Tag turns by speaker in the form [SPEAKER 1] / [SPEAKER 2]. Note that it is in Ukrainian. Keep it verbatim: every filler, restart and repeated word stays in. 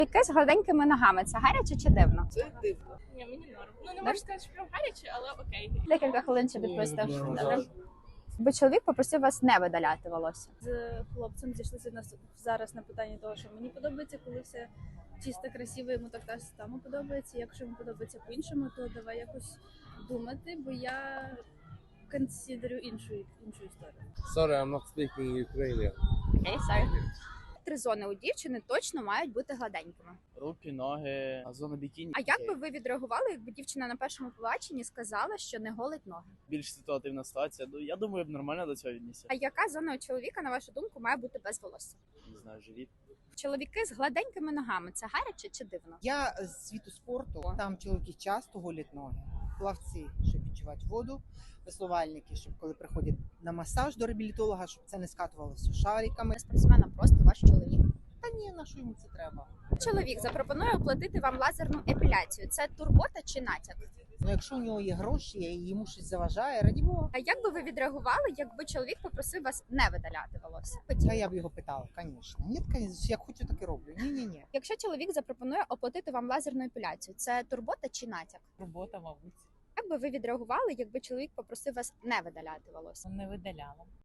[SPEAKER 1] Яке з гладенькими ногами? Це гаряче чи дивно?
[SPEAKER 2] Це дивно.
[SPEAKER 3] Ні, мені норм. Ну не можу сказати, що прям гаряче, але окей.
[SPEAKER 1] Декілька хвилин ще відпустив. Добре. Бо чоловік попросив вас не видаляти волосся.
[SPEAKER 4] З хлопцем зійшлися на зараз на питанні того, що мені подобається, коли все чисто, красиво, йому так так само подобається. Якщо йому подобається по-іншому, то давай якось думати, бо я консидерю іншу іншу історію.
[SPEAKER 2] Sorry, I'm not speaking Ukrainian.
[SPEAKER 1] Окей, sorry. Три зони у дівчини точно мають бути гладенькими.
[SPEAKER 5] Руки, ноги, зона бікіні.
[SPEAKER 1] А як би ви відреагували, якби дівчина на першому побаченні сказала, що не голить ноги?
[SPEAKER 5] Більш ситуативна ситуація. Ну я думаю, я б нормально до цього віднісся.
[SPEAKER 1] А яка зона у чоловіка, на вашу думку, має бути без волосся?
[SPEAKER 5] Не знаю, живіт.
[SPEAKER 1] Чоловіки з гладенькими ногами це гаряче чи дивно?
[SPEAKER 6] Я з світу спорту, там чоловіки часто голять ноги. Плавці, щоб відчувати воду, веслувальники, щоб коли приходять на масаж до реабілітолога, щоб це не скатувалося шариками.
[SPEAKER 1] Спортсмена просто ваш чоловік.
[SPEAKER 6] Та ні, на що йому це треба?
[SPEAKER 1] Чоловік запропонує оплатити вам лазерну епіляцію. Це турбота чи натяк?
[SPEAKER 6] Ну якщо у нього є гроші і йому щось заважає, раді Бога.
[SPEAKER 1] А як би ви відреагували, якби чоловік попросив вас не видаляти волосся?
[SPEAKER 6] Та я б його питала, звісно. Ні, звісно, як хочу, так і роблю. Ні, ні, ні.
[SPEAKER 1] Якщо чоловік запропонує оплатити вам лазерну епіляцію, це турбота чи натяк?
[SPEAKER 7] Робота, мабуть,
[SPEAKER 1] Як би ви відреагували, якби чоловік попросив вас не видаляти волосся?
[SPEAKER 7] не видаляла.